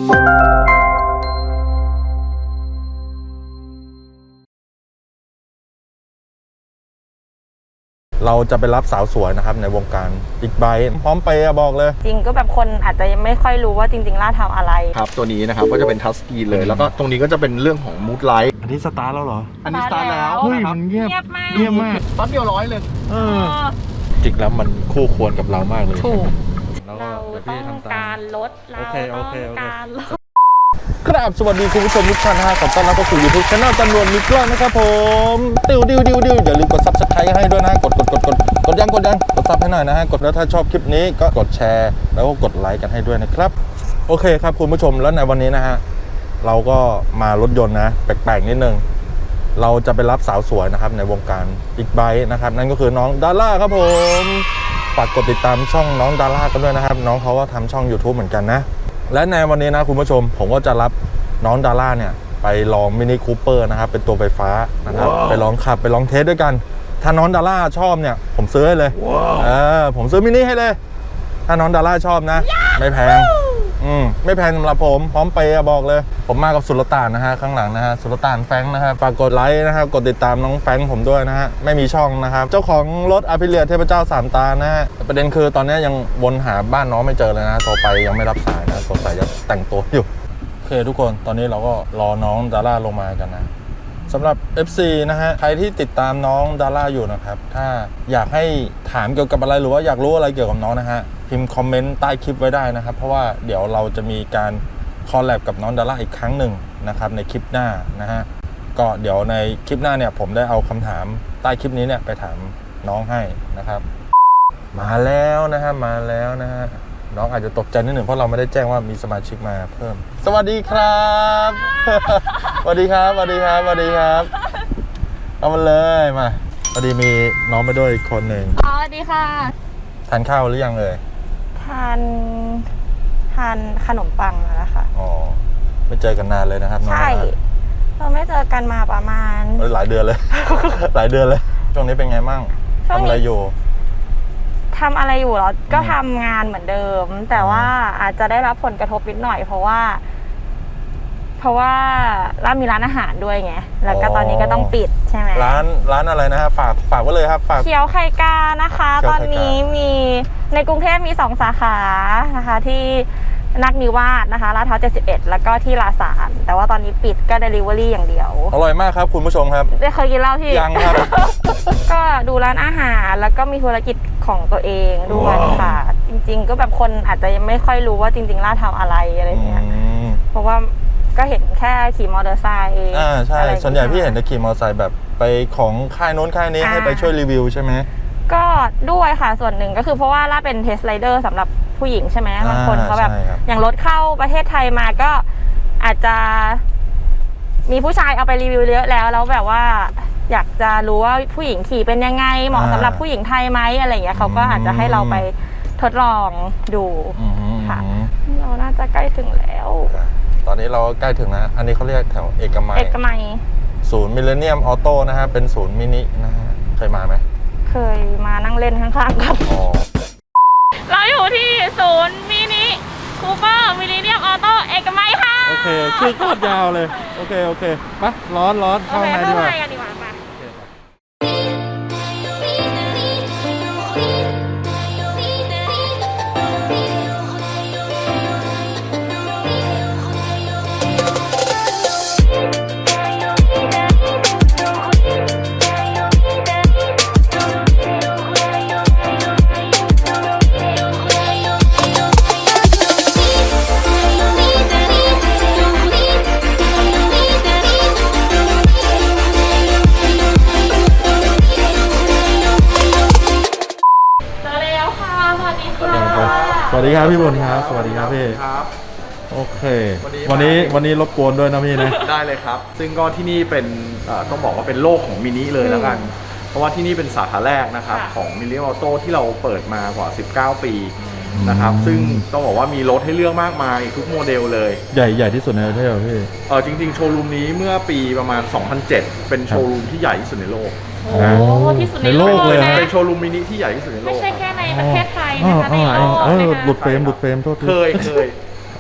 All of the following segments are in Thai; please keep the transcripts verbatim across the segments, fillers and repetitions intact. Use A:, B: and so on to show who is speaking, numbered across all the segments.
A: เราจะไปรับสาวสวยนะครับในวงการบิ๊กไบค์พร้อมไปบอกเลย
B: จริงก็แบบคนอาจจะยังไม่ค่อยรู้ว่าจริงๆล่าทำอะไร
C: ครับตัวนี้นะครับก็จะเป็นทัชสกรีนเลยแล้วก็ตรงนี้ก็จะเป็นเรื่องของมูดไลท์
A: อันนี้สตาร์ทแล้วเหรอ
C: อันนี้สตาร์ทแล้ว
A: เฮ้ยมันเงียบ
B: มาก
A: เงียบมาก
C: ปั๊บเดียวร้อยเลย
A: เออจริงแล้วมันคู่ควรกับเรามากเลย
B: ถูก
A: เรา
B: ต้องการลดเราต้องการลด
A: ครับสวัสดีคุณผู้ชมทุกท่านนะฮะขอต้อนรับเข้าสู่ YouTube Channel ตำรวจมีกล้องนะครับผมดิวดิวดิวดิวอย่าลืมกด Subscribe ให้ด้วยนะกดกดกดกดกดยังกดยังกดซับให้หน่อยนะฮะกดแล้วถ้าชอบคลิปนี้ก็กดแชร์แล้วก็กดไลค์กันให้ด้วยนะครับโอเคครับคุณผู้ชมแล้วในวันนี้นะฮะเราก็มารถยนต์นะแปลกๆนิดนึงเราจะไปรับสาวสวยนะครับในวงการบิ๊กไบค์นะครับนั่นก็คือน้องดาร่าครับผมฝากกดติดตามช่องน้องดาร่ากันด้วยนะครับน้องเขาก็ทำช่อง YouTube เหมือนกันนะและในวันนี้นะคุณผู้ชมผมก็จะรับน้องดาร่าเนี่ยไปลองมินิคูเปอร์นะครับเป็นตัวไฟฟ้านะครับ wow. ไปลองขับไปลองเทสด้วยกันถ้าน้องดาร่าชอบเนี่ยผมซื้อให้เลย wow. เออผมซื้อมินิให้เลยถ้าน้องดาร่าชอบนะ yeah. ไม่แพงอืมไม่แพงสำหรับผมพร้อมไปบอกเลยผมมากับสุลต่านนะฮะข้างหลังนะฮะสุลต่านแฟงนะครับฝากกดไลค์นะครับกดติดตามน้องแฟงผมด้วยนะฮะไม่มีช่องนะครับเจ้าของรถอาพิเลียเทพเจ้าสามตานะฮะประเด็นคือตอนนี้ยังวนหาบ้านน้องไม่เจอเลยนะโทรไปยังไม่รับสายนะสงสัยจะแต่งตัวอยู่โอเคทุกคนตอนนี้เราก็รอน้องดาร่าลงมากันนะสำหรับ เอฟ ซี นะฮะใครที่ติดตามน้องดาร่าอยู่นะครับถ้าอยากให้ถามเกี่ยวกับอะไรหรือว่าอยากรู้อะไรเกี่ยวกับน้องนะฮะพิมพ์คอมเมนต์ใต้คลิปไว้ได้นะครับเพราะว่าเดี๋ยวเราจะมีการคอลแลบกับน้องดาร่าอีกครั้งหนึ่งนะครับในคลิปหน้านะฮะก็เดี๋ยวในคลิปหน้าเนี่ยผมได้เอาคำถามใต้คลิปนี้เนี่ยไปถามน้องให้นะครับมาแล้วนะฮะมาแล้วนะฮะน้องอาจจะตกใจนิดหนึ่งเพราะเราไม่ได้แจ้งว่ามีสมาชิกมาเพิ่มสวัสดีครับสวัสดีครับสวัสดีครับสวัสดีครับเอามาเลยมาพอดีมีน้องมาด้วยอีกคนหนึ่ง
B: อ๋อสวัสดีค่ะ
A: ทานข้าวหรือยังเอ่ย
B: ทานทานขนมปังแล้วค่ะ
A: อ๋อไม่เจอกันนานเลยนะครับ
B: ใช่เราไม่เจอกันมาประมาณ
A: หลายเดือนเลย หลายเดือนเลยช่วงนี้เป็นไงมั่งทำอะไรอยู่
B: ทำอะไรอยู่แล้วก็ทำงานเหมือนเดิมแต่ว่าอาจจะได้รับผลกระทบนิดหน่อยเพราะว่าเพราะว่าร้านมีร้านอาหารด้วยไงแล้วก็ตอนนี้ก็ต้องปิดใช่ไหม
A: ร้านร้านอะไรนะฮะฝากฝากไว้เลยครับฝาก
B: เขียวไข่กานะคะตอนนี้มีในกรุงเทพมีสองสาขานะคะที่นักนิวาสนะคะลาดพร้าวเจ็ดสิบเอ็ดแล้วก็ที่ลาซานแต่ว่าตอนนี้ปิดก็ เดลิเวอรี่ อย่างเดียว
A: อร่อยมากครับคุณผู้ชมครับ
B: ได้เคยกินแล้วพี่
A: ยังครับ
B: ก็ดูร้านอาหารแล้วก็มีธุรกิจของตัวเองด้วยค่ะจริงๆก็แบบคนอาจจะยังไม่ค่อยรู้ว่าจริงๆล่าทำอะไรอะไรเงี้ยเพราะว่าก็เห็นแค่ขี่มอเตอร์ไซค์
A: อ่าใช่ส่วนใหญ่พี่เห็นแต่ขี่มอเตอร์ไซค์แบบไปของค่ายโน้นค่ายนี้ให้ไปช่วยรีวิวใช่ไหม
B: ก็ด้วยค่ะส่วนหนึ่งก็คือเพราะว่าล่าเป็นเทสไรเดอร์สำหรับผู้หญิงใช่ไหมบางคนเขาแบบอย่างรถเข้าประเทศไทยมาก็อาจจะมีผู้ชายเอาไปรีวิวเยอะแล้วแล้วแบบว่าอยากจะรู้ว่าผู้หญิงขี่เป็นยังไงเหมาะสำหรับผู้หญิงไทยไหมอะไรอย่างเงี้ยเขาก็อาจจะให้เราไปทดลองดูค่ะเราน่าจะใกล้ถึงแล้ว
A: ตอนนี้เราใกล้ถึงนะอันนี้เขาเรียกแถวเอกมัย
B: เอกมัย
A: ศูนย์มิลเลนเนียมออโต้นะฮะเป็นศูนย์มินินะฮะเคยมาไหม
B: เคยมานั่งเล่นข้างๆครับเราอยู่ที่ศูนย์มินิคูเปอร์มิลเลนเนียมออโต้เอกมัยค่ะ
A: โอเคชื่อโคตรยาวเลยโอเคโอเคไปร้อนร้อนเข้าในดีกว่า
B: ดีกว่าป่ะ
A: สวัสดีครับพี่บุญครับสวัสดีครับพี่
C: ครับ
A: โอเควันนี้วันนี้รบกวนด้วยนะพี่นะ
C: ได้เลยครับซึ่งก็ที่นี่เป็นต้องบอกว่าเป็นโลกของมินิเลยแล้วกันเพราะว่าที่นี่เป็นสาขาแรกนะครับของมิลเลนเนียมออโต้ที่เราเปิดมากว่าสิบเก้าปีนะครับซึ่งต้องบอกว่ามีรถให้เลือกมากมายทุกโมเดลเลย
A: ใหญ่ใหญ่ที่สุดในประเทศเหรอพี่
C: เออจริงๆโชว์รูมนี้เมื่อปีประมาณสองพันเจ็ดเป็นโชว์รูมที่ใหญ่ที่สุดในโลก
B: โอ้ที่สุดในโลก
A: เลย
C: เป็นโชว์รูมมินิที่ใหญ่ที่สุดในโลก
B: ไม่ใช่แค่ในประเทศไทยนะคะในโลก
A: เออหลุดเฟรมหลุดเฟรมโทษที
C: เคยเคย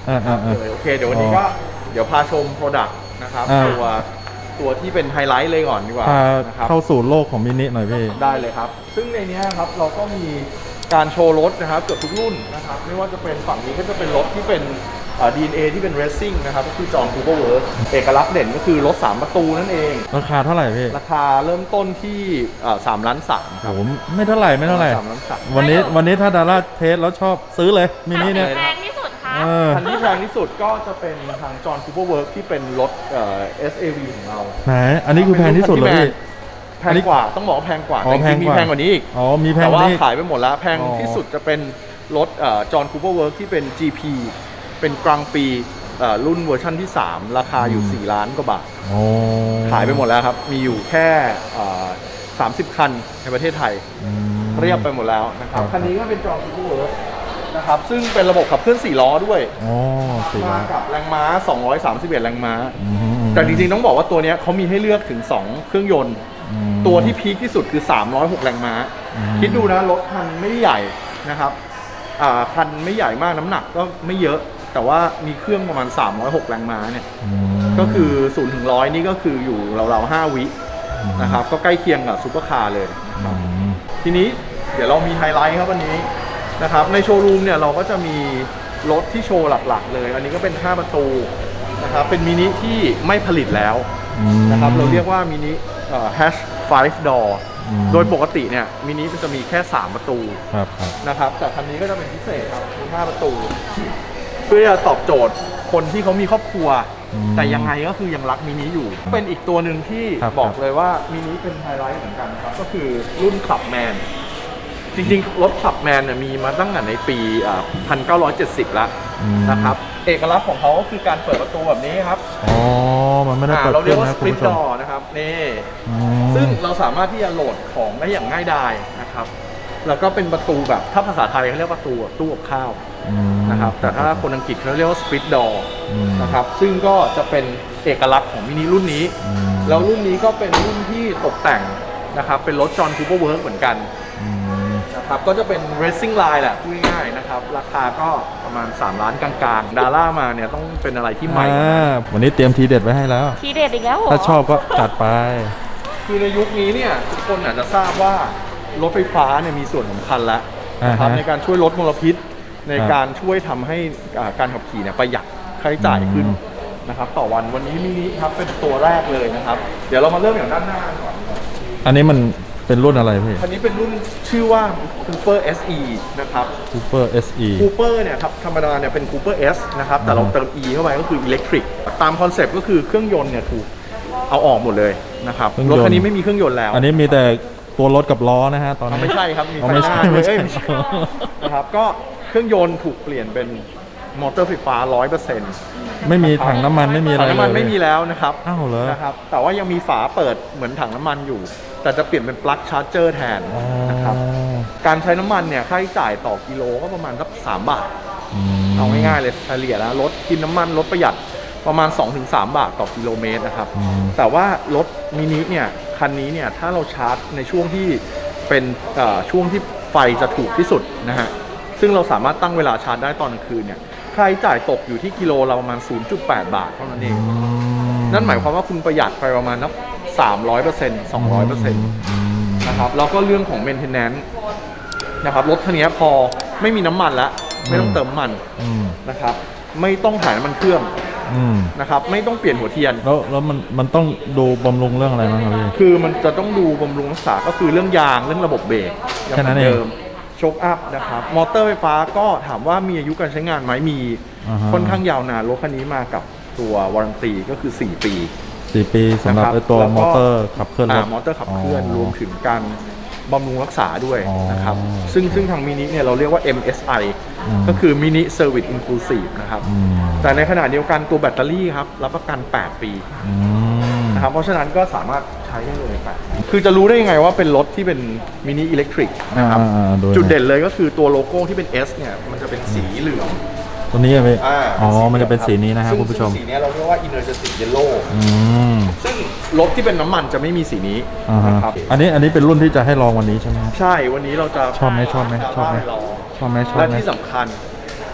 A: อ่าอ่าอ่า
C: เลยโอเคเดี๋ยววันนี้ก็เดี๋ยวพาชมโปรดักต์นะครับ
A: อ่า
C: ตัวตัวที่เป็นไฮไลท์เลยก่อนดีกว่า
A: พา
C: นะครับ
A: เข้าสู่โลกของมินิหน่อยพี่
C: ได้เลยครับ ซึ่งในเนี้ยครับเราก็มีการโชว์รถนะครับเกือบทุกรุ่นนะครับ ไม่ว่าจะเป็นฝั่งนี้ก็จะเป็นรถที่เป็นเอ่อ ดี เอ็น เอ ที่เป็น Racing นะครับก็คือจอห์นคูเปอร์เวิร์คเอกลักษณ์เด่นก็คือรถสามประตูนั่นเอง
A: ราคาเท่าไหร่พี่
C: ราคาเริ่มต้นที่เอ่อสามล้านสามครับ
A: โอ้โหไม่เท่าไหร่ไม่เท่าไหร่
C: สามล้านสาม
A: วันนี้วันนี้ถ้าดาราเทสแล้วชอบซื้อเลยมินิเนี่ย
B: แพงที่สุดค่ะ
A: เออ
C: คันที่แพงที่สุดก็จะเป็นทางจอห์นคูเปอร์เวิร์คที่เป็นรถเอ่อ เอส เอ วี ของเรา
A: ไหนอันนี้คือแพงที่สุดเลยพี่
C: แพงกว่าต้องบอกว่าแพงกว่า
A: อ๋อ
C: แต่จริงๆมี
A: แพงกว่า
C: แพงกว่านี้อีก
A: อ๋อมีแพง
C: แต่
A: กว่า
C: ว่า
A: นี้
C: ขายไปหมดแล้วแพง
A: อ๋อ
C: ที่สุดจะเป็นรถจอห์นคูเปอร์เวิร์คที่เป็น จี พี เป็นกลางปีเอ่อรุ่นเวอร์ชั่นที่ สาม ราคาอยู่ สี่ ล้านกว่าบาท
A: โอ้
C: ขายไปหมดแล้วครับ มีอยู่แค่เอ่อสามสิบคันในประเทศไทย
A: อืม
C: เรียบไปหมดแล้วนะครับ
A: ครับ
C: คันนี้ก็เป็นจอห์นคูเปอร์เวิร์คนะครับซึ่งเป็นระบบขับเคลื่อนสี่ล้อด้วย
A: โอ้สี่
C: มา
A: ล้าน
C: กับแรงม้าสองร้อยสามสิบเอ็ดแรงม้า
A: อืม
C: แต่จริงๆต้องบอกว่าตัวเนี้ยเขามีให้เลือกถึงสองเครื่องยนต์
A: อืม
C: ตัวที่พีคที่สุดคือสามร้อยหกแรงม้า
A: อืม
C: คิดดูนะรถคันไม่ได้ใหญ่นะครับอ่าคันไม่ใหญ่มากน้ำหนักก็ไม่เยอะ แต่ว่ามีเครื่องประมาณสามร้อยหกแรงม้าเนี่ย
A: อืม
C: ก็คือศูนย์ถึงร้อยนี่ก็คืออยู่ราวๆห้าวิ
A: อืม
C: นะครับก็ใกล้เคียงกับซูเปอร์คาร์เลย
A: อืม
C: ทีนี้เดี๋ยวเรามีไฮไลท์ครับวันนี้นะครับในโชว์รูมเนี่ยเราก็จะมีรถที่โชว์หลักๆเลย อันนี้ก็เป็นห้าประตูนะครับเป็นมินิที่ไม่ผลิตแล้ว
A: อืม
C: นะครับเราเรียกว่ามินิแฮชไฟฟ์ดอร์
A: อืม
C: โดยปกติเนี่ยมินิมันจะมีแค่สามประตู
A: ครับครับ
C: นะครับแต่คันนี้ก็จะเป็นพิเศษครับมีห้าประตู เพื่อจะตอบโจทย์คนที่เขามีครอบครัว
A: อืม
C: แต่ยังไงก็คือยังรักมินิอยู่ เป็นอีกตัวหนึ่งที่
A: ครับ
C: บอกเลยว่ามินิเป็นไฮไลท์เหมือนกันครับก็คือรุ่นขับแมนจริงๆรถขับแมนเนี่ยมีมาตั้งแต่ในปีหนึ่งพันเก้าร้อยเจ็ดสิบแล้วนะครับเอกลักษณ์ของเขาก็คือการเปิดประตูแบบนี้ครับ
A: อ๋อมันไม่ได้
C: อ่า
A: เปิด
C: เราเรียกว่า
A: นะ
C: ส
A: คุ
C: ป
A: ณ
C: ริต
A: ผู้ช
C: ด
A: ม
C: อนะครับนี่
A: อืม
C: ซึ่งเราสามารถที่จะโหลดของได้อย่างง่ายดายนะครับแล้วก็เป็นประตูแบบถ้าภาษาไทยเขาเรียกว่าประตูแบบตู้กับข้าว
A: อืม
C: นะครับแต่ถ้าคนอังกฤษเขาเรียกว่าสปริตดอ
A: อืม
C: นะครับซึ่งก็จะเป็นเอกลักษณ์ของมินิรุ่นนี้
A: อืม
C: แล้วรุ่นนี้ก็เป็นรุ่นที่ตกแต่งนะครับเป็นรถจอห์นคูเปอร์เวิร์คเหมือนกัน
A: อืม
C: นะครับก็จะเป็น racing line แหละพูดง่ายๆนะครับราคาก็ประมาณสามล้านกลางๆดาร่ามาเนี่ยต้องเป็นอะไรที่ใหม่
A: อ่าวันนี้เตรียมทีเด็ดไว้ให้แล้ว
B: ทีเด็ดอีกแล้วเหรอ
A: ถ้าชอบก็จัดไป
C: คือในยุคนี้เนี่ยทุกคนอาจจะทราบว่ารถไฟฟ้าเนี่ยมีส่วนสำคัญแล้วนะครับ
A: อ่าฮะ
C: ในการช่วยลดมลพิษใน
A: ครับ
C: การช่วยทำให้อ่าการขับขี่เนี่ยประหยัดค่าใช้จ่ายขึ้น
A: อืม
C: นะครับต่อวันวันนี้มินิครับเป็นตัวแรกเลยนะครับ เดี๋ยวเรามาเริ่มอย่างด้านหน้าก่อน
A: อันนี้มันเป็นรุ่นอะไรพี่
C: คันนี้เป็นรุ่นชื่อว่า Cooper เอส อี นะครับ
A: Super เอส อี
C: Cooper เนี่ยครับธรรมดาเนี่ยเป็น Cooper S นะครับแต่เรา
A: อ่าฮะ
C: เติม E เข้าไปก็คือ Electric ตามคอนเซปต์ก็คือเครื่องยนต์เนี่ยถูกเอาออกหมดเลยนะครับรถคันนี้ไม่มีเครื่องยนต์แล้ว
A: อันนี้มีแต่ตัวรถกับล้อนะฮะตอน
C: อ๋อ
A: นี้
C: ไม่ใช่ครับ มี
A: อ๋อ
C: ไฟ
A: ไม่
C: ห
A: ใช่
C: น้า
A: ไม่
C: ด้วย
A: ใช่
C: เอ้ยไม่ใช่นะครับ ก็เครื่องยนต์ถูกเปลี่ยนเป็นมอเตอร์ไฟฟ้า ร้อยเปอร์เซ็นต์
A: ไม่มีถังน้ำมันไม่มีอะไร
C: ถังน้ำมัน
A: เลย
C: ไม่มีแล้วนะครับ
A: อ้าวเหรอ
C: นะครับ แต่ว่ายังมีฝาเปิดเหมือนถังน้ำมันอยู่ แต่จะเปลี่ยนเป็นปลั๊กชาร์จเจอร์แทน
A: อ๋อ
C: นะครับ การใช้น้ำมันเนี่ยค่าใช้จ่ายต่อกิโลก็ประมาณสักสามบาท
A: อืม
C: เอาง่ายๆเลยเฉลี่ยแล้วรถกินน้ำมันรถประหยัดประมาณ สองถึงสาม บาทต่อกิโลเมตรนะครับ
A: อืม
C: แต่ว่ารถมินิเนี่ยคันนี้เนี่ยถ้าเราชาร์จในช่วงที่เป็นเอ่อช่วงที่ไฟจะถูกที่สุดนะฮะซึ่งเราสามารถตั้งเวลาชาร์จได้ตอนกลางคืนเนี่ยค่าใช้จ่ายตกอยู่ที่กิโลละประมาณ ศูนย์จุดแปด บาทเท่านั้นเอง
A: อืม
C: นั่นหมายความว่าคุณประหยัดไปประมาณนับสามร้อยเปอร์เซ็นต์ สองร้อยเปอร์เซ็นต์
A: อืม
C: นะครับแล้วก็เรื่องของ maintenance นะครับรถคันนี้พอไม่มีน้ำมันแล้วไม่ต้องเติมน้ำมัน
A: อืม
C: นะครับไม่ต้องถ่ายน้ำมันเครื่อง
A: อืม
C: นะครับไม่ต้องเปลี่ยนหัวเทียน
A: แล้วแล้วมันมันต้องดูบำรุงเรื่องอะไรบ้างครับพี่
C: คือมันจะต้องดูบำรุงรักษาก็คือเรื่องยางเรื่องระบบเบรกยัง
A: แค่
C: เห
A: นั้
C: มือน น
A: เอง
C: เดิมโชคอัพนะครับมอเตอร์ไฟฟ้าก็ถามว่ามีอายุการใช้งานไหมมี
A: อ่าฮะ
C: ค่อนข้างยาวนานรถคันนี้มากับตัววารันตีก็คือ สี่ ปี
A: สี่ปีสำหรับ
C: นะครับ
A: ไอ้ตัว
C: แล้วก็
A: มอเตอร์ขับเคลื่อนร
C: อ่า
A: ถ
C: มอเตอร์ขับเคลื่อนรวมถึงการบำรุงรักษาด้วย
A: อ๋อ
C: นะครับซึ่งซึ่งทางมินิเนี่ยเราเรียกว่า เอ็ม เอส ไอ
A: อืม
C: ก็คือ Mini Service Inclusive นะครับ
A: อืม
C: แต่ในขณะเดียวกันตัวแบตเตอรี่ครับรับประกัน แปด ปี
A: อืม
C: นะครับเพราะฉะนั้นก็สามารถใช้ได้เลยแปดปีคือจะรู้ได้ยังไงว่าเป็นรถที่เป็นมินิอิเล็กทริกนะครับ
A: อ่าๆๆ
C: จุดเด่นเลยก็คือตัวโลโก้ที่เป็น S เนี่ยมันจะเป็นสีเหลือง
A: ตัวนี้อะพี่
C: อ่า
A: อ๋อ
C: สีหลืง
A: มันจะเป็นสีนี้นะครับ
C: ซึ่ง
A: คุณผู้ชม
C: ซึ่งสีเนี้ยเราเรียกว่า Energetic Yellow
A: อืม
C: ซึ่งรถที่เป็นน้ำมันจะไม่มีสีนี้
A: อ่าฮะ
C: นะครับ
A: อันนี้อันนี้เป็นรุ่นที่จะให้ลองวันนี้ใช่ไหมครับ
C: ใช่วันนี้เราจะ
A: ชอบไหมชอบไหมชอบไหม
C: ด้ลอง
A: ชอบไหมชอบ
C: และ
A: ไหม
C: ที่สำคัญ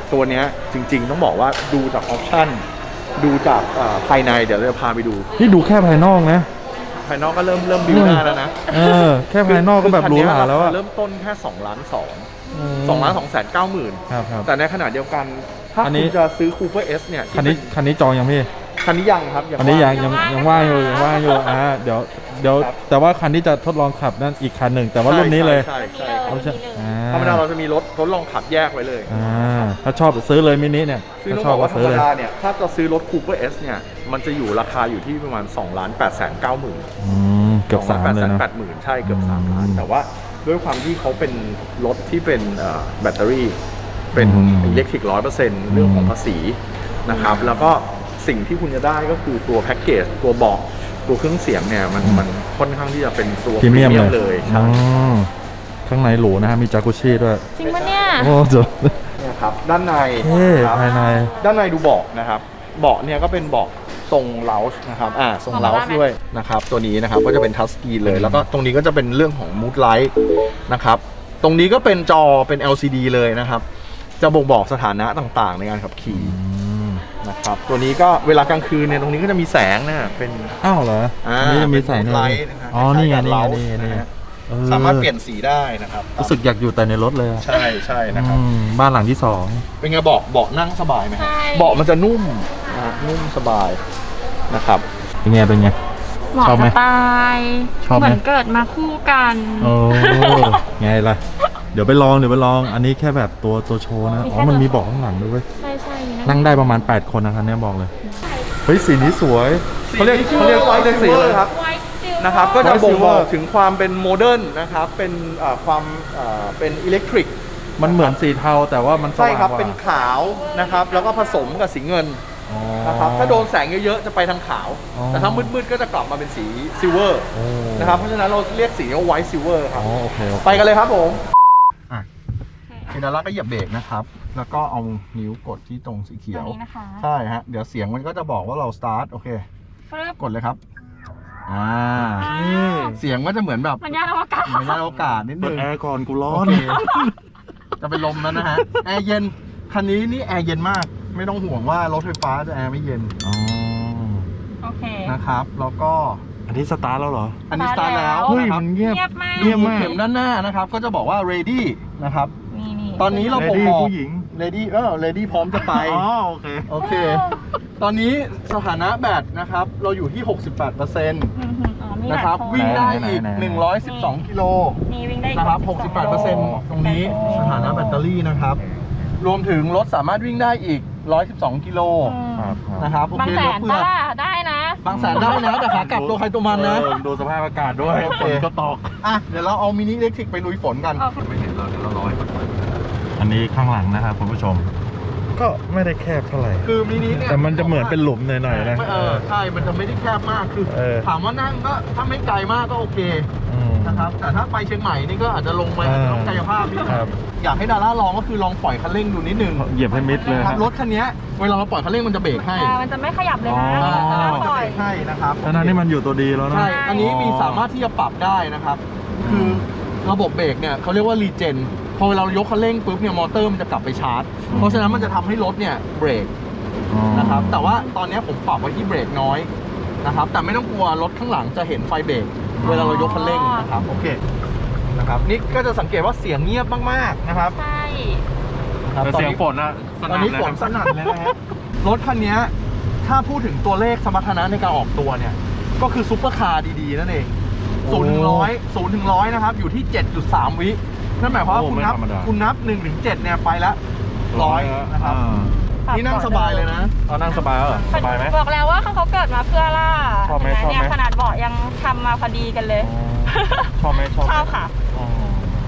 C: ตัวเนี้ยจริงๆต้องบอกว่าดูจากออปชั่นดูจากเอ่อภายในเดี๋ยวเราจะพาไปดู
A: นี่ดูแค่ภายนอกนะ
C: ภายนอกก็เริ่มเริ่มบิวหน้าแล้วนะ
A: เออแค่ภายนอกก็แบบหรูหราแล้วอะ
C: เริ่มต้นแค่สองล้านสองสองล้านสองแสนเก้าหมื่น
A: ครับครับ
C: แต่ในขณะเดียวกันถ้า
A: อันนี้
C: คุณจะซื้อ Cooper S เนี่ย
A: คันนี้คันนี้จองยังพี่
C: คันนี้ยังครับ
A: คันนี้ยัง
C: ว่า
A: ยังยังว่างอยู่ยังว่างอยู่อ่าเดี๋ยวเดี๋ยวแต่ว่าคันที่จะทดลองขับนั่นอีกคันหนึ่งแต่ว่ารุ่นนี้เลย
C: ใช่ใช่
B: เอา
A: เอา
B: ใช่
A: ใช่อ่า
C: ธรรมดาเราจะมีรถทดลองขับแยกไว้เลย
A: อ่าถ้าชอบซื้อเลยมินิเนี่ย
C: ซึ่ง
A: ถ้า
C: ต้อง
A: ชอ
C: บบ อก
A: ก็
C: ว่าธร
A: ซื้อ
C: รม
A: เลย
C: ดาเนี่ยถ้าจะซื้อรถ Cooper S เนี่ยมันจะอยู่ราคาอยู่ที่ประมาณ2ล้านแปดแสนเก้าหมื่น
A: อืมเกือบสามเลยเนาะ
C: แปดหมื่นใช่เกือบสามล้าน
A: อืม
C: แต่ว่าด้วยความที่เขาเป็นรถที่เป็นเอ่อแบตเตอรี่เป็น
A: อืม
C: อิเล็กทริกร้อยเปอร์เซ็นต์เรื่องของภาษีนะครับแล้วก็สิ่งที่คุณจะได้ก็คือตัวแพ็กเกจตัวเบาะตัวเครื่องเสียงเนี่ยมันมันค่อนข้างที่จะเป็นตัว
A: พรีเมียมเลย
C: เลยใช่
A: อ๋อข้างในหรูนะฮะมีจากุชิด้วย
B: จริงปะเนี่ย
A: โอ้เจ๋อ
C: เนี่ยครับด้านใน
A: เท่
C: ครับ
A: ภายใน
C: ด้านในดูเบาะนะครับเบาะเนี่ยก็เป็นเบาะทรงเลาส์นะครับอ่าทรงเลาส์ด้วยนะครับตัวนี้นะครับก็จะเป็นทัชสกรีนเลยแล้วก็ตรงนี้ก็จะเป็นเรื่องของมูดไลท์นะครับตรงนี้ก็เป็นจอเป็น แอล ซี ดี เลยนะครับจะบ่งบอกสถานะต่างๆ ในการขับขี่
A: อืม
C: นะครับตัวนี้ก็เวลากลางคืนเนี่ยตรงนี้ก็จะมีแสงนะเป็น
A: อ้าวเหรอ
C: อ่า
A: อันนี่จะมีใส่
C: เป็น
A: ใน
C: ไลท์นะครับ
A: อ๋อนี่ไงนี่ไง
C: คล้ายๆ
A: นี่ไง
C: กับ
A: นี่ไง
C: เลาส์นะฮะ
A: เออ
C: สามารถเปลี่ยนสีได้นะครับ
A: รู้สึกอยากอยู่แต่ในรถเลยอะ
C: ใช่ใช่นะครับ
A: อืมบ้านหลังที่สอง
C: เป็นไงเบาะเบาะนั่งสบายไหมครับ
B: ใช่
C: เบาะมันจะนุ่มนะนุ่มสบายนะครับ
A: เป็นไงเป็นไง
B: เหมาะ
A: ชอบไหม
B: สไตล์
A: ชอบไหม
B: เหมือนเกิดมาคู่กัน
A: โอ้ไงล่ะ เดี๋ยวไปลองเดี๋ยวไปลอง อันนี้แค่แบบตัวตัวโชว์นะ
B: มีแค่
A: อ๋อ มันมี
B: ตัว
A: เบาะข้างหลังด้วยเว้ย
B: ใช่ใช่มี
A: นั่งได้ประมาณ แปด คนนะครับเนี่ยบอกเลย เฮ้ย สีนี้สวยเขาเรียกเขาเรียกเขาเรียกสีอะไร
C: ครับ
B: ไวท์ซิล
C: นะครับก็จะ
A: White
C: บ่งบอก
A: Silver
C: ถึงความเป็นโมเดิร์นนะครับเป็นเอ่อความเอ่อเป็นอิเล็กทริก
A: มันเหมือนสีเทาแต่ว่ามันส
C: ใช่
A: ว่าง
C: ครับ
A: กว่า
C: เป็นขาวนะครับแล้วก็ผสมกับสีเงิน
A: อ๋อ
C: นะครับถ้าโดนแสงเยอะๆจะไปทางขาว
A: อ๋อ
C: แต่ถ้ามืดๆก็จะกลับมาเป็นสีซิลเวอร์
A: โอ้
C: นะครับเพราะฉะนั้นเราเรียกสีว่าไวท์ซิลเวอร์ค
A: อ๋
C: รั
A: อบ โอเคโอเค
C: ไปกันเลยครับผมอ่ะเฮดาร่าก็เหยียบเบรกนะครับแล้วก็เอานิ้วกดที่ตรงสีเขี
B: ตั
C: ยว ว
B: นี้นะคะ
C: ใช่ฮะเดี๋ยวเสียงมันก็จะบอกว่าเราสตาร์ทโอเค
B: ฟรึบ
C: กดเลยครับอ่า
B: อ้าว
C: เสียงก็จะเหมือนแบบ
B: มันยานอวกาศ
C: เหมือนยานอวกาศนิด
A: เปิ
C: นึ
A: ด
C: ง
A: แอร์ก่อนกูร้อ
C: โอน เคจะเป็นลมแล้วนะฮะ แอร์เย็น คันนี้นี่แอร์เย็นมาก ไม่ต้องห่วงว่ารถไฟฟ้าจะแอร์ไม่เย็น
A: อ๋อ
B: โอเค
C: นะครับ แล้วก็
A: อันนี้สตาร์ทแล้วเหรอ
C: อันนี้สตาร์ทแล้ว
A: เฮ้ย
C: นะครับ
A: มันเงียบ
B: เงียบมาก
A: เงียบมาก
C: เข็มด้านหน้านะครับ ก็จะบอกว่า ready นะครับ
B: นี่นี่
C: ตอนนี้เรา
A: Lady
C: บ่งบอก
A: ผู้หญิง
C: ready เออ ready พร้อมจะไป
A: อ๋อโอเค
C: โอเค ตอนนี้สถานะแบตนะครับ เราอยู่ที่ หกสิบแปดเปอร์เซ็นต์
B: อืมอ๋อมี
C: นะครับ
B: หลายโซ
C: วิ่งได้อีก
A: ไหนๆๆ
C: หนึ่งร้อยสิบสองกิโล
B: มีวิ่งได้อีก
C: นะครับ หกสิบแปดเปอร์เซ็นต์ ตรงนี้สถานะแบตเตอรี่นะครับ รวมถึงรถสามารถวิ่งได้อีก หนึ่งร้อยสิบสองกิโล
B: อืม
A: ครับครับ
C: นะครับโอบ
B: าง
C: เค
B: แส
C: รถ
B: น
C: เพื่อ
B: ป้าได้นะ
C: บางแสนได้นะ แต่ขากลับตัวใครตัวมันนะ
A: เออดูสภาพอากาศด้วย
C: โอเค
A: ฝนก็ตก
C: อ่ะ เดี๋ยวเราเอามินิอิเล็กทริกไปลุยฝนกัน
B: โอเค
C: ไม่เห็นเราเดี๋ยวเรารอให้มันเปิด
A: อันนี้ข้างหลังนะครับคุณผู้ชม ก็ไม่ได้แคบเท่าไหร่
C: คือมินิเนี่ย
A: แต่มันจะเหมือนเป็นหลุมหน่อยๆนะ
C: เออใช่ มันจะไม่ได้แคบมาก คือ
A: เออ
C: ถามว่านั่งก็ถ้าไม่ไกลมากก็โอเค
A: อืม
C: นะครับ แต่ถ้าไปเชียงใหม่นี่ก็อาจจะลงมา
A: เออ
C: ต้องกายภาพนิดนึง
A: ครับ
C: อยากให้ดาร่าลองก็คือลองปล่อยคันเร่งดูนิดนึง
A: เหยียบให้มิดเลย
C: ค
A: ค
C: รั
A: รั
C: บบ รถคันเนี้ยเวลาเราปล่อยคันเร่งมันจะเบรกให้
B: อ่ามันจะไม่ขยับเลยนะ
A: อ๋อ
B: ถ้า
C: มันจะ
B: ปล่
C: เบ
B: อ
C: ร
B: ย
C: กให้นะครับ
A: ทั้งนั้นที่มันอยู่ตัวดีแล้วนะ
C: ใช่ อันนี้มีสามารถที่จะปรับได้นะครับ คือระบบเบรกเนี่ยเขาเรียกว่ารีเจน พอเวลาเรายกคันเร่งปุ๊บเนี่ยมอเตอร์มันจะกลับไปชาร์จ เพราะฉะนั้นมันจะทำให้รถเนี่ยเบรก
A: อ๋อ
C: นะครับ แต่ว่าตอนนี้ผมปรับไว้ที่เบรกน้อยนะครับ แต่ไม่ต้องกลัวรถข้างหลังจะเห็นไฟเบรกเวลาเรายกคันเร่งนะครับ โอเค นะครับ นี่ก็จะสังเกตว่าเสียงเงียบมากๆนะครับ
B: ใช่
C: ครับ
A: แต่เสียงฝนอะส
C: ตอน
A: นั่น
C: นี้
A: เลย
C: ฝนสนั่นเลยนะฮะ รถคันนี้ถ้าพูดถึงตัวเลขสมรรถนะในการออกตัวเนี่ย ก็คือซุปเปอร์คาร์ดีๆนั่นเองศูนย์ถึงร้อยศูนย์ถึงร้อยนะครับ อยู่ที่ เจ็ดจุดสาม วินั่นหมายความว่าคุณนับคุณนับหนึ่งถึงเจ็ดเนี่ยไปละร้อยนะครับ นี่นั่งสบายเลยนะ
A: เอานั่งสบายเหรอสบายไหม
B: บอกแล้วว่าเขาเขาเกิดมาเพื่อล่า
A: ชอบไหม
B: เน
A: ชอบไหม
B: เนี่ยขนาดเบาะยังทำมาพอดีกันเลย
A: ชอบไหมชอบไหม
B: ชอบค่ะ
A: อ๋อ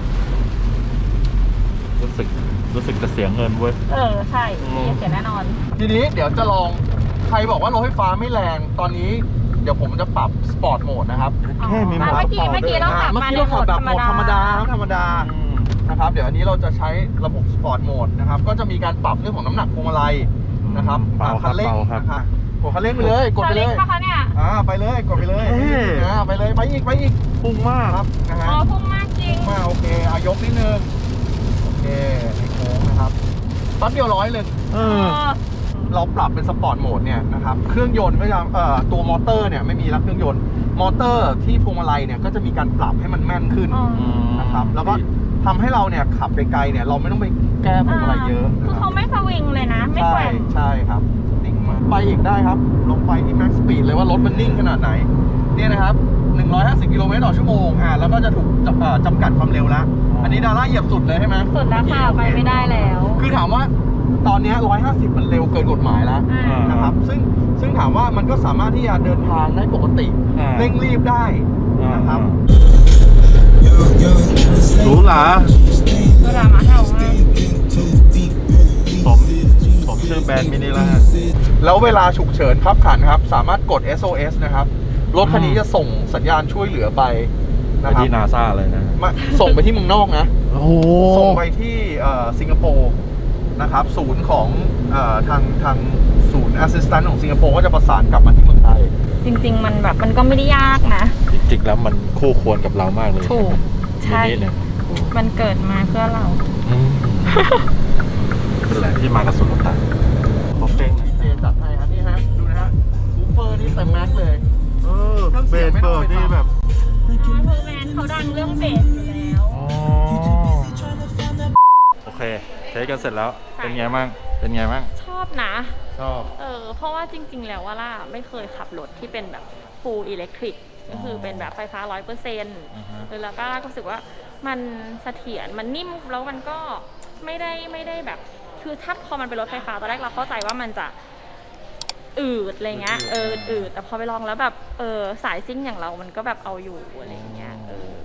A: รู้สึกรู้สึกจะเสียเงินเว้ย
B: เออ ใช่
A: อืม
B: มีเสียแน่นอน
C: ทีนี้เดี๋ยวจะลองใครบอกว่ารถไฟฟ้าไม่แรงตอนนี้เดี๋ยวผมจะปรับสปอร์ตโหมดนะครับ
A: แค่มี
B: อ๋อ
A: หมด
B: เมื่อกี้เมื่อกี้เราขับ
C: เมื่อ
B: มา
C: กี้
B: ใน
C: เรา
B: โหม
C: ขับ
B: ด
C: แบบ
B: ธร
C: โห
B: ร
C: ม
B: ม
C: ดธรรม
B: ดา
C: ดาธรรมดา
A: อืม
C: นะครับเดี๋ยวอันนี้เราจะใช้ระบบสปอร์ตโหมดนะครับก็จะมีการปรับเรื่องของน้ำหนักพวงมาลัยนะครับ
A: เบาครับ
C: คันเร่ง
A: เบาครับ
C: นะครับกดคันเร่งไปเลยกดไปเลย
B: สลิปปะคะเนี่ย
C: อ่าไปเลยกดไปเลย
A: เท่
C: อ่าไปเลยไปอีกไปอีก
A: พุ่งมาก
C: ครับนะฮะ
B: อ๋อพุ่งมากจริง
C: มาโอเคอายกนิดนึงโอเคในโค้งนะครับแป๊บเดียวร้อยเลย
A: เออ
C: เราปรับเป็นสปอร์ตโหมดเนี่ยนะครับเครื่องยนต์ก็จะเอ่อตัวมอเตอร์เนี่ยไม่มีแล้วเครื่องยนต์มอเตอร์ที่พวงมาลัยเนี่ยก็จะมีการปรับให้มันแม่นขึ้น
B: อ๋อ
C: นะครับแล้วก็ทำให้เราเนี่ยขับไกลๆเนี่ยเราไม่ต้องไปแก้พวงมาลัยเยอะ
B: คือ
C: นะค
B: เขา
C: รับ
B: ไม่สวิงเลยนะ ไม่
C: ใช่
B: แกว่ง
C: ใช่ครับนิ่งมากไปอีกได้ครับลงไปที่ max speed เลยว่ารถมันนิ่งขนาดไหนเนี่ยนะครับหนึ่งร้อยห้าสิบกิโลเมตรต่อชั่วโมงอ่าแล้วก็จะถูกจำเอ่อจำกัดความเร็วแล้วอันนี้ดาร่าเหยียบสุดเลยใช่ไหม
B: สุดแล้วค่ะไปไม่ได้แล้ว
C: คือถามว่าตอนนี้หนึ่งร้อยห้าสิบมันเร็วเกินกฎหมายแล้ว
B: อ่า
C: นะครับซึ่งซึ่งถามว่ามันก็สามารถที่จะเดินทางได้ปกติ
A: อ่า
C: เร่งรีบได้นะครับ
A: หรูหรา
B: เวลามาเห่ามาก
A: ผมผมชื่อแบรนด์มินิล่า
C: แล้วเวลาฉุกเฉินขับขันครับสามารถกด เอส โอ เอส นะครับรถคันนี้จะส่งสัญญาณช่วยเหลือไป
A: ไป
C: นะครับ
A: ที่นาซาเลยนะ
C: มาส่งไปที่เมืองนอกนะ
A: โอ้โห
C: ส่งไปที่เอ่อสิงคโปร์นะครับศูนย์ของเอ่อทางทางศูนย์ assistant ของสิงคโปร์ก็จะประสานกลับมาที่เมืองไทย
B: จริงๆ มันแบบมันก็ไม่ได้ยากนะ
A: จริงๆแล้วมันคู่ควรกับเรามากเลย
B: ถูก ใช่
A: มินิเนี่ย
B: มันเกิดมาเพื่อเรา
A: อืมเป็นแหละที่มากับสุลต่านขอเพลงหน่อย
C: เจจัดให้ครับนี่ฮะดูนะฮะซูเปอร์นี่เต็มแม็กซ์เลย
A: เออเบสเบิร์ดนี่แบบ
B: เพอร์แมนเขาดังเรื่องเบสอยู่แล้ว
A: อ๋อโอเคเทสกันเสร็จแล้ว เป็นไงบ้างเป็นไงบ้าง
B: ชอบนะ
A: ชอบ
B: เออ เพราะว่าจริง ๆ แล้วว่าล่าไม่เคยขับรถที่เป็นแบบ full electric ก็คือเป็นแบบไฟฟ้า ร้อยเปอร์เซ็นต์
A: อ่าฮะ
B: แล้วก็รู้สึกว่ามันเสถียร มันนิ่ม แล้วมันก็ไม่ได้ไม่ได้แบบ คือถ้าพอมันเป็นรถไฟฟ้าตอนแรกเราเข้าใจว่ามันจะอืดอะไรเงี้ย เอออืดแต่พอไปลองแล้วแบบ เออสายซิ่งอย่างเรามันก็แบบเอาอยู่อะไรเงี้ย เออ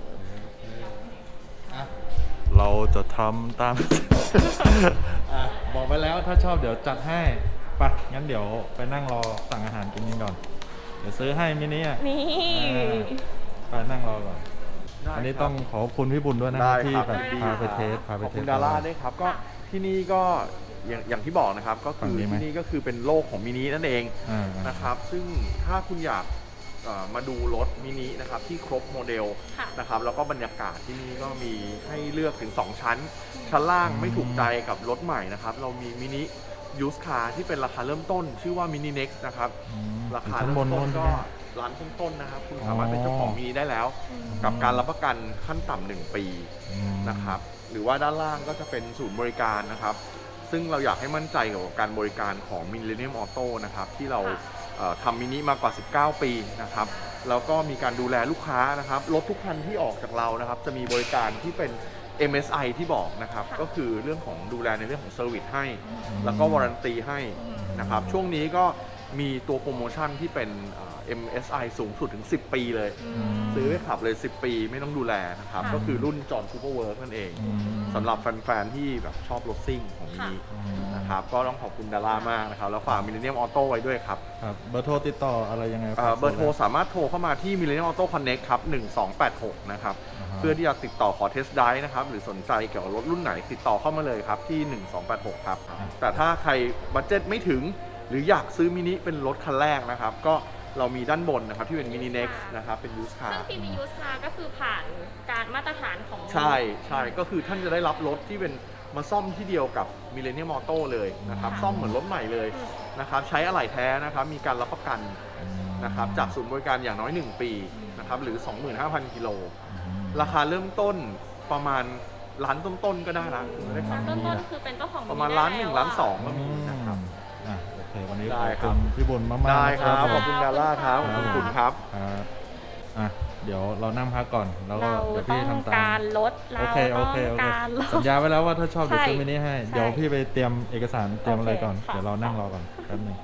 A: เราจะทำตาม อ่ะบอกไปแล้วถ้าชอบเดี๋ยวจัดให้ไปะงั้นเดี๋ยวไปนั่งรอสั่งอาหารกินกันก่อน เดี๋ยวซื้อให้มินิอ่ะ
B: นี่
A: ไปนั่งรอก่อน อันนี้ต้องขอบคุณพี่บุญด้วยนะ
C: ได้
A: ที่
C: ครับ
A: แบบ
C: ยินดี
A: พาไปเทสพาไป
C: ขอบ
A: เท
C: คุ
A: ส
C: ณดาร่าด้วยครับก็ที่นี่ก็อย่างอย่างที่บอกนะครับก็
A: ฝั่
C: คื
A: ง
C: อ
A: นี้ไหม
C: ที่นี่ก็คือเป็นโลกของมินินั่นเอง
A: อ่าๆ
C: นะครับซึ่งถ้าคุณอยากเอ่อมาดูรถมินินะครับที่ครบโมเดล
B: ค่ะ
C: นะครับแล้วก็บรรยากาศที่นี่ก็มีให้เลือกถึง สอง ชั้น ชั้นล่างไม่ถูกใจกับรถใหม่นะครับเรามีมินิยูสคาร์ที่เป็นราคาเริ่มต้น ชื่อว่ามินิเน็กซ์นะครับ
A: อืม
C: ราคา
A: ชั้น
C: เริ่
A: บ
C: ม
A: น
C: ต้
A: โน้
C: น
A: น
C: ก็
A: ใช่ไหม
C: ร้านต้นๆนะครับคุณ
A: อ๋อ
C: สามารถเป็นเจ้าของมินิได้แล้ว กับการรับประกันขั้นต่ำหนึ่งปี
A: อืม
C: นะครับหรือว่าด้านล่างก็จะเป็นศูนย์บริการนะครับซึ่งเราอยากให้มั่นใจกับการบริการของ Millennium Auto นะครับที่เราเอ่อทำมินิมากกว่าสิบเก้าปีนะครับแล้วก็มีการดูแลลูกค้านะครับรถทุกคันที่ออกจากเรานะครับจะมีบริการที่เป็น เอ็ม เอส ไอ ที่บอกนะครับก็คือเรื่องของดูแลในเรื่องของเซอร์วิสให้ แล้วก็วารันตีให้นะครับช่วงนี้ก็มีตัวโปรโมชั่นที่เป็นเอ่อ เอ็ม เอส ไอ สูงสุดถึงสิบปีเลย ซื้อไปขับเลย สิบ ปีไม่ต้องดูแลนะครับ
B: ค่ะ
C: ก็คือรุ่นจอห์นคูเปอร์เวิร์กนั่นเอง
A: อืม
C: สำหรับแฟนๆที่แบบชอบรถซิ่งของมินิ
A: อืม
C: นะครับก็ต้องขอบคุณดาร่ามากนะครับ แล้วฝาก Millennium Auto ไว้ด้วยครับ
A: ครับเบอร์โทรติดต่ออะไรยังไง
C: เอ่อเบอร์โทรสามารถโทรเข้ามาที่ Millennium Auto Connect ครับหนึ่งสองแปดหกนะครับ
A: าฮะ
C: เพื่อที่จะติดต่อขอเทสต์ไดรฟ์นะครับ หรือสนใจเกี่ยวกับรถรุ่นไหนติดต่อเข้ามาเลยครับที่หนึ่งสองแปดหกครับ แต่ถ้าใครบัตเจ็ตไม่ถึง หรืออยากซื้อมินิเป็นรถคันแรกนะครับ ก็เรามีด้านบนนะครับที่เป็นมินิเน็กซ์นะครับเป็นยูสคา
B: ซึ่ง
C: ร์
B: ทีวียูสคาก็คือผ่านการมาตรฐานของ
C: ใช่ใช่ก็คือท่านจะได้รับรถที่เป็นมาซ่อมที่เดียวกับ Millennium Auto เลยนะครับซ่อมเหมือนรถใหม่เลยนะครับใช้อะไหล่แท้นะครับมีการรับประกันนะครับจากศูนย์บริการอย่างน้อยหนึ่งปีนะครับหรือ สองหมื่นห้าพัน กิโลราคาเริ่มต้นประมาณล้านต้นๆก็ได้ละได้ขับ
B: ต้นต้นๆคือเป็นเจ้าของ
C: ประมาณล้านหนึ่งล้านสองก็มีนะครับ
A: อ่ะโอเควันนี้
C: ได้
A: ขอบ
C: ครั
A: คุ
C: บ
A: ณพี่บุญมากๆ
C: ได้ครับ
A: นะ
C: ขอบคุณดาร่าครับขอบคุณครับ
A: ครับอ่ะเดี๋ยวเรานั่งพักก่อนแล้วก็
B: เรา
A: เดี๋ยว
B: ต้อ
A: พี่
B: ง
A: ทำตาม
B: การลดเรา
A: โอเคโอ
B: ต้อง
A: เคโอเค
B: การลด
A: สัญญาไว้แล้วว่าถ้าชอบเดี๋ยว
B: ใช่
A: ซื้อมินิให้
B: ใช่
A: เดี๋ยวพี่ไปเตรียมเอกสารเตรียมอะไรก่อน
B: โอเคค่ะ
A: เดี๋ยวเรานั่งรอก่อนแป๊บนึง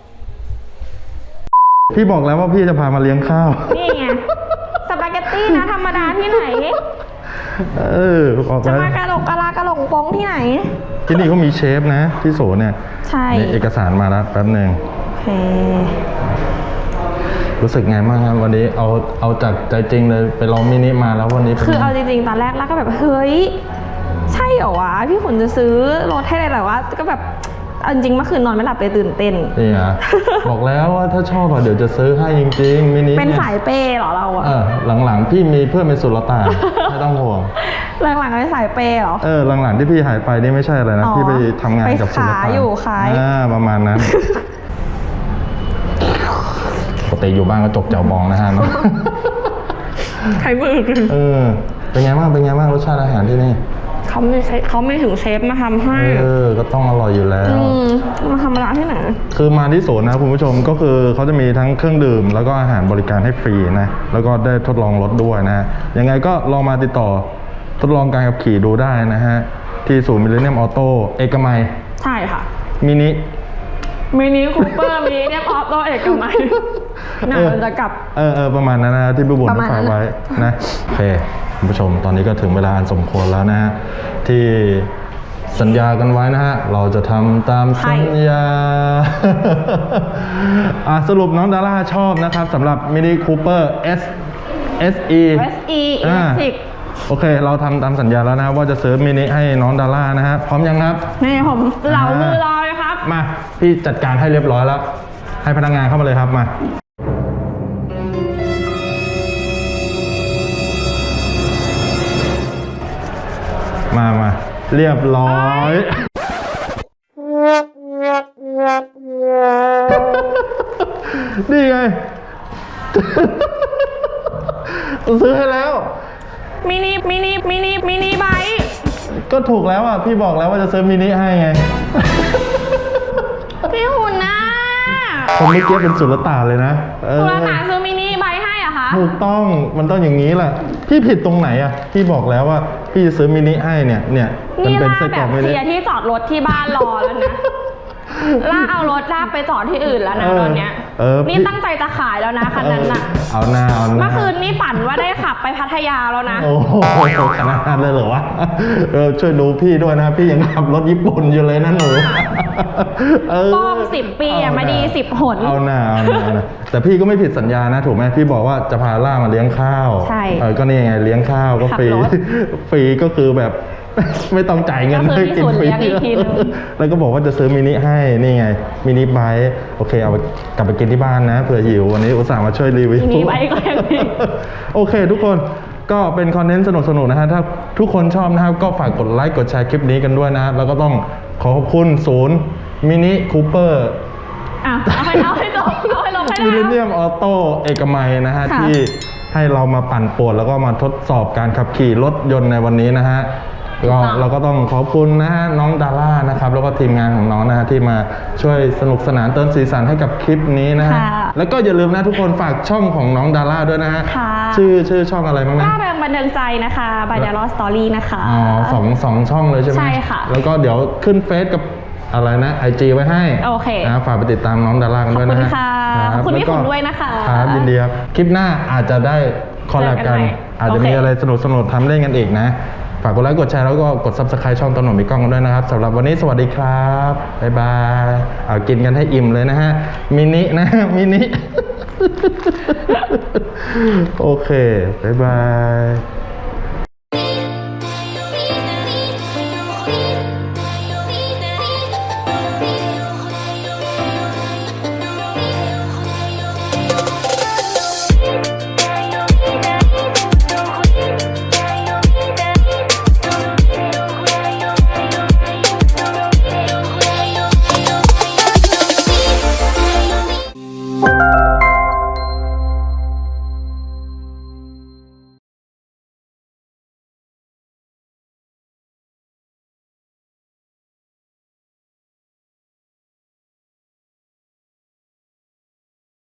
A: พี่บอกแล้วว่าพี่จะพามาเลี้ยงข้าว
B: นี่ไงสปาเกตตี้นะธรรมดาที่ไหน
A: เออบอก
B: จะ
A: แล้ว
B: มากระโหลกกะลากระโหลกโป้งที่ไหน
A: ที่นี่เขามีเชฟนะที่โสเนี่ย
B: ใช่
A: นี่เอกสารมาแล้วแป๊บนึง
B: โอเค
A: รู้สึกไงบ้างครับวันนี้เอาเอาจากใจจริงเลยไปลองมินิมาแล้ววันนี้ป็น
B: คือเอาจริงๆ ตอนแรกแล้วก็แบบเฮ้ยใช่เหรอวะพี่ขุนจะซื้อรถให้เลยแต่ว่าก็แบบเอาจริงๆเมื่อคืนนอนไม่หลับเลยตื่นเต้น
A: นี่ฮะ บอกแล้วว่าถ้าชอบอะเดี๋ยวจะซื้อให้จริงๆมินิ
B: เป็น
A: ย
B: สายเปย์เหรอเราอะ
A: เออหลังๆพี่มีเพื่อนเป็นสุลต่านถ้าต้องห่วง
B: หลังๆไปสายเปย์เหรอ
A: เออหลังๆที่พี่หายไปนี่ไม่ใช่อะไรนะ
B: อ๋อ
A: พี่ไปทำงานกับศิล
B: ไป
A: ปะ
B: ขายอยู่ขาย
A: อ่าประมาณนั้นปกติอยู่บ้านก็จกเจ้าบองนะฮะ
B: ใช้มือกัน
A: เออเป็นไงบ้างเป็นไงบ้างรสชาติอาหารที่นี่
B: เขาไม่ใช่เขาไม่ถึงเชฟมาทำให้
A: เออก็ต้องอร่อยอยู่แล้ว
B: อืมมาทำร้านที่ไหน
A: คือมาที่ศูนย์นะคุณผู้ชมก็คือเขาจะมีทั้งเครื่องดื่ม แล้วก็อาหารบริการให้ฟรีนะแล้วก็ได้ทดลองรถด้วยนะยังไงก็ลองมาติดต่อทดลองการขับขี่ดูได้นะฮะที่ศูนย์มิลเลนเนียมออโต้เอกมัย
B: ใช่ค่ะ
A: มินิ
B: มินิคูเปอร์มินิเนี่ยออโต้เอกมัยน่าจะกลับ
A: เออเออประมาณนั้นนะที่พี่บุญ
B: ประมาณนั้
A: ฝาก
B: น
A: ไว้นะโอเคคุณผู้ชมตอนนี้ก็ถึงเวลาอันสมควรแล้วนะฮะที่สัญญากันไว้นะฮะเราจะทำตามสัญญา อ่ะสรุปน้องดาร่าชอบนะครับสำหรับมินิคูเปอร์ S SE
B: เอส อี
A: อ่า
B: Electric
A: โอเค เราทำตามสัญญาแล้วนะว่าจะซื้อมินิให้น้องดาร่านะฮะพร้อมยังครับ
B: นี่ผมเหลามือรอเลยครับ
A: มาพี่จัดการให้เรียบร้อยแล้ว ให้พนักงานเข้ามาเลยครับมามามาเรียบร้อยนี่ไง ซื้อให้แล้ว
B: มินิมินิมินิมินิไบค์
A: ก็ถูกแล้วอ่ะพี่บอกแล้วว่าจะซื้อมินิให้ไง
B: พี่หุ่นนะ
A: ผมเมื่อกี้เป็นสุลต่านเลยนะเออ
B: คุณอาตาซื้อมินิไบค์ให้เหรอะคะ
A: ถูกต้องมันต้องอย่างนี้แหละพี่ผิดตรงไหนอ่ะพี่บอกแล้วว่าพี่จะซื้อมินิให้เนี่ยเนี่ยมัน
B: นี่
A: เป็น
B: ล่า
A: ไส้
B: แบ
A: กรอบ กมิ
B: เค
A: นิ
B: ลียร์ที่จอดรถที่บ้านรอแล้วนะล่าเอารถลากไปจอดที่อื่นแล้วนะตอนเนี้ย
A: เออ
B: นี่
A: พี่
B: ตั้งใจจะขายแล้วนะคันนั้นน่ะ
A: เอาหน้าเอาหน้า
B: เมื่อคืนนี่ฝันว่าได้ขับไปพัทยาแล้วนะ
A: โอ้โหขนาดนั้นเลยเหรอวะเออช่วยดูพี่ด้วยนะพี่ยังขับรถญี่ปุ่นอยู่เลยนะหนูเออ
B: ป้องสิบปีอะมาดีสิบหน
A: เอาหน้าเอาหน้าเอาหน้าแต่พี่ก็ไม่ผิดสัญญานะถูกไหมพี่บอกว่าจะพาล่ามาเลี้ยงข้าว
B: ใช่
A: เออก็นี่ไงเลี้ยงข้าวก็ฟรี
B: ขับรถ
A: ฟรีก็คือแบบ ไม่ต้องจ่ายเงิน
B: ก็คือพี่สุดเลี้ยงอีกทีนึง
A: แล้วก็บอกว่าจะซื้อมินิให้นี่ไงมินิไบค์โอเคเอาไปกลับไปกินที่บ้านนะเผื่อหิววันนี้อุตส่าห์มาช่วยรีวิว
B: มินิไบค์ก็ยังดี
A: โอเคทุกคนก็เป็นคอนเทนต์สนุกๆนะฮะถ้าทุกคนชอบนะครับก็ฝากกดไลค์กดแชร์คลิปนี้กันด้วยนะแล้วก็ต้องขอขอบคุณศูนย์มินิคูเปอร์
B: อ่ะเอาให้เอาให้จบเอาให้ลงให้ได้
A: มิลเลนเนียมออโต้เอกมัยนะฮะ
B: ค่ะ
A: ที่ให้เรามาปั่นป่วนแล้วก็มาทดสอบการขับขี่รถยนต์ในวันนี้นะฮะก็เราก็ต้องขอบคุณนะฮะน้องดาร่านะครับแล้วก็ทีมงานของน้องนะฮะที่มาช่วยสนุกสนานเติมสีสันให้กับคลิปนี้นะฮะ
B: ค่ะ
A: แล้วก็อย่าลืมนะทุกคนฝากช่องของน้องดาร่าด้วยนะฮะ
B: ค่ะ
A: ชื่อชื่อช่องอะไรบ้างนะ
B: ล่าแรงบันเทิงใจนะคะบายดารอสตอรี่นะคะ
A: อ๋อสองสองช่องเลยใช่ไหม
B: ใช่ค่ะ
A: แล้วก็เดี๋ยวขึ้นเฟซกับอะไรนะไอจีไว้ให้
B: โอเค
A: นะฝากไปติดตามน้องดาร่ากันด้วยนะฮะ
B: ขอบคุณค่ะ
A: รับ
B: ขอบคุณพี่
A: แล้ก็
B: ขุนด้วยนะคะ
A: ครับยินดีครับคลิปหน้าอาจจะได้คอลแลบกัน
B: เจอกันใหม่
A: อาจจะ
B: โอเค
A: มีอะไรสนุกสนุกๆทำเล่นกันอีกนะ ฝากกดไลค์กดแชร์แล้วก็กด ซับสไครบ์ ช่องตนหนมมีกล้องกันด้วยนะครับสำหรับวันนี้สวัสดีครับบ๊ายบายเอากินกันให้อิ่มเลยนะฮะมินินะ มินิ โอเคบ๊ายบาย